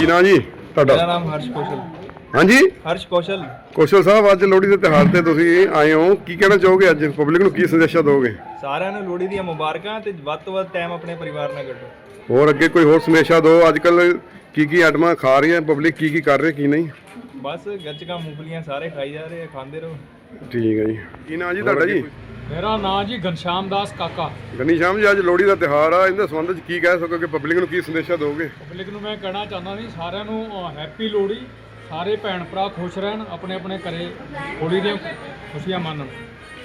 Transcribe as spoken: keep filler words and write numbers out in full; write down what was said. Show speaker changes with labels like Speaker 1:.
Speaker 1: ਕੀ ਨਾਂ ਜੀ ਤੁਹਾਡਾ?
Speaker 2: ਮੇਰਾ ਨਾਮ ਹਰਸ਼ ਕੌਸ਼ਲ।
Speaker 1: ਹਾਂਜੀ
Speaker 2: ਹਰਸ਼ ਕੌਸ਼ਲ।
Speaker 1: ਕੌਸ਼ਲ ਸਾਹਿਬ, ਅੱਜ ਲੋਹੜੀ ਦੇ ਤਿਉਹਾਰ ਤੇ ਤੁਸੀਂ ਆਏ ਹੋ, ਕੀ ਕਹਿਣਾ ਚਾਹੋਗੇ? ਅੱਜ ਪਬਲਿਕ ਨੂੰ ਕੀ ਸੰਦੇਸ਼ਾ ਦਿਓਗੇ?
Speaker 2: ਸਾਰਿਆਂ ਨੂੰ ਲੋਹੜੀ ਦੀਆਂ ਮੁਬਾਰਕਾਂ ਤੇ ਵੱਧ ਤੋਂ ਵੱਧ ਟਾਈਮ ਆਪਣੇ ਪਰਿਵਾਰ ਨਾਲ ਕੱਢੋ।
Speaker 1: ਹੋਰ ਅੱਗੇ ਕੋਈ ਹੋਰ ਸੰਦੇਸ਼ਾ ਦਿਓ? ਅੱਜ ਕੱਲ ਕੀ ਕੀ ਆਈਟਮਾਂ ਖਾ ਰਹੀ ਹੈ ਪਬਲਿਕ, ਕੀ ਕੀ ਕਰ ਰਹੀ ਕੀ ਨਹੀਂ?
Speaker 2: ਬਸ ਗੱਚਕਾਂ ਮੂੰਗਫਲੀਆਂ ਸਾਰੇ ਖਾਈ ਜਾ ਰਹੇ ਆ, ਖਾਂਦੇ ਰਹੋ।
Speaker 1: ਠੀਕ ਹੈ ਜੀ। ਕੀ ਨਾਂ ਜੀ ਤੁਹਾਡਾ ਜੀ?
Speaker 3: ਮੇਰਾ ਨਾਂ ਜੀ ਘਨਸ਼ਾਮ ਦਾਸ ਕਾਕਾ।
Speaker 1: ਗਨੀ ਸ਼ਾਮ ਜੀ, ਅੱਜ ਲੋਹੜੀ ਦਾ ਤਿਉਹਾਰ ਆ, ਇਹਦੇ ਸੰਬੰਧ ਵਿੱਚ ਕੀ ਕਹਿ ਸਕੋਗੇ? ਪਬਲਿਕ ਨੂੰ ਕੀ ਸੰਦੇਸ਼ਾ ਦਿਓਗੇ?
Speaker 3: ਪਬਲਿਕ ਨੂੰ ਮੈਂ ਕਹਿਣਾ ਚਾਹੁੰਦਾ ਜੀ, ਸਾਰਿਆਂ ਨੂੰ ਹੈਪੀ ਲੋਹੜੀ। ਸਾਰੇ ਭੈਣ ਭਰਾ ਖੁਸ਼ ਰਹਿਣ, ਆਪਣੇ ਆਪਣੇ ਘਰੇ ਹੋਲੀ ਦੀਆਂ ਖੁਸ਼ੀਆਂ ਮਾਣਨ।